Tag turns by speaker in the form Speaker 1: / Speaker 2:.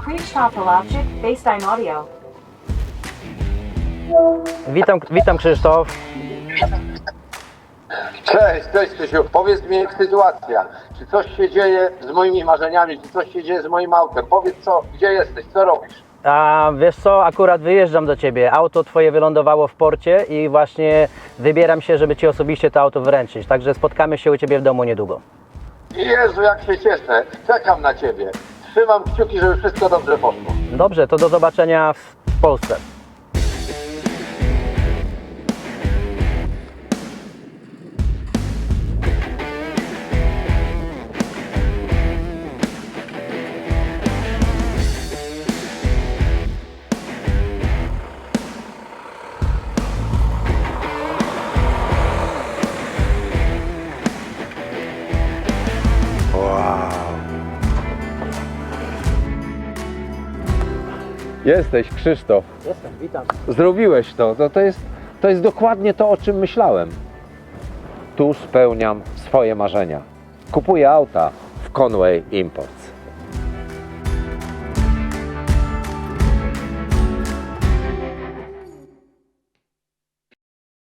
Speaker 1: Pre-stop Electric Baseline Audio.
Speaker 2: Witam Krzysztof.
Speaker 3: Cześć Krzysiu, powiedz mi jak sytuacja. Czy coś się dzieje z moimi marzeniami, czy coś się dzieje z moim autem? Powiedz gdzie jesteś, co robisz?
Speaker 2: A wiesz co, akurat wyjeżdżam do Ciebie. Auto Twoje wylądowało w porcie i właśnie wybieram się, żeby Ci osobiście to auto wręczyć. Także spotkamy się u Ciebie w domu niedługo.
Speaker 3: Jezu, jak się cieszę, czekam na Ciebie. Trzymam kciuki, żeby wszystko dobrze poszło.
Speaker 2: Dobrze, to do zobaczenia w Polsce.
Speaker 3: Jesteś Krzysztof,
Speaker 2: Jestem, witam.
Speaker 3: zrobiłeś to. To jest dokładnie to, o czym myślałem. Tu spełniam swoje marzenia. Kupuję auta w Conway Imports.